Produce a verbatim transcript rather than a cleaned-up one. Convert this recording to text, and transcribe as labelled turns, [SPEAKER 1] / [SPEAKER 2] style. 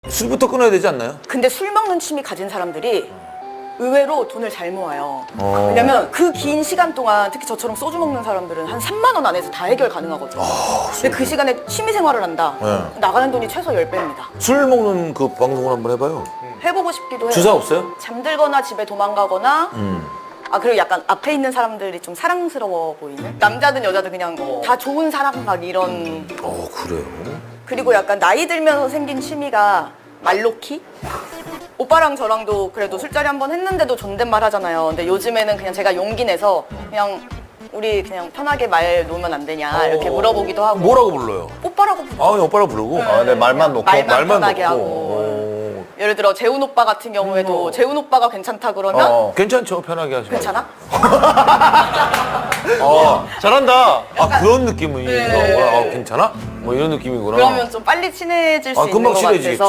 [SPEAKER 1] 술부터 끊어야 되지 않나요?
[SPEAKER 2] 근데 술 먹는 취미 가진 사람들이 의외로 돈을 잘 모아요.
[SPEAKER 1] 어.
[SPEAKER 2] 왜냐면 그 긴 시간 동안 특히 저처럼 소주 먹는 사람들은 한 삼만 원 안에서 다 해결 가능하거든요.
[SPEAKER 1] 아,
[SPEAKER 2] 근데 그 시간에 취미 생활을 한다.
[SPEAKER 1] 네.
[SPEAKER 2] 나가는 돈이 최소 십 배입니다.
[SPEAKER 1] 술 먹는 그 방송을 한번 해봐요.
[SPEAKER 2] 해보고 싶기도 해요.
[SPEAKER 1] 주사 없어요?
[SPEAKER 2] 잠들거나 집에 도망가거나
[SPEAKER 1] 음.
[SPEAKER 2] 아 그리고 약간 앞에 있는 사람들이 좀 사랑스러워 보이는? 남자든 여자든 그냥 다 좋은 사람 막 이런.
[SPEAKER 1] 어 그래요?
[SPEAKER 2] 그리고 약간 나이 들면서 생긴 취미가 말로키? 오빠랑 저랑도 그래도 술자리 한 번 했는데도 존댓말 하잖아요. 근데 요즘에는 그냥 제가 용기 내서 그냥 우리 그냥 편하게 말 놓으면 안 되냐 이렇게 물어보기도 하고.
[SPEAKER 1] 뭐라고 불러요?
[SPEAKER 2] 오빠라고 부르죠.
[SPEAKER 1] 아 그냥 오빠라고 부르고?
[SPEAKER 3] 아, 네, 말만 놓고.
[SPEAKER 2] 말만,
[SPEAKER 1] 말만
[SPEAKER 2] 편하게
[SPEAKER 1] 놓고.
[SPEAKER 2] 하고. 예를 들어 재훈 오빠 같은 경우에도
[SPEAKER 1] 음.
[SPEAKER 2] 재훈 오빠가 괜찮다 그러면
[SPEAKER 3] 어.
[SPEAKER 1] 괜찮죠? 편하게 하시면.
[SPEAKER 2] 괜찮아?
[SPEAKER 1] 아,
[SPEAKER 3] 잘한다.
[SPEAKER 1] 아 그런 느낌이
[SPEAKER 2] 네.
[SPEAKER 1] 아, 괜찮아? 뭐 이런 느낌이구나.
[SPEAKER 2] 그러면 좀 빨리 친해질 수
[SPEAKER 1] 아,
[SPEAKER 2] 있는
[SPEAKER 1] 금방
[SPEAKER 2] 것
[SPEAKER 1] 친해지겠지.
[SPEAKER 2] 같아서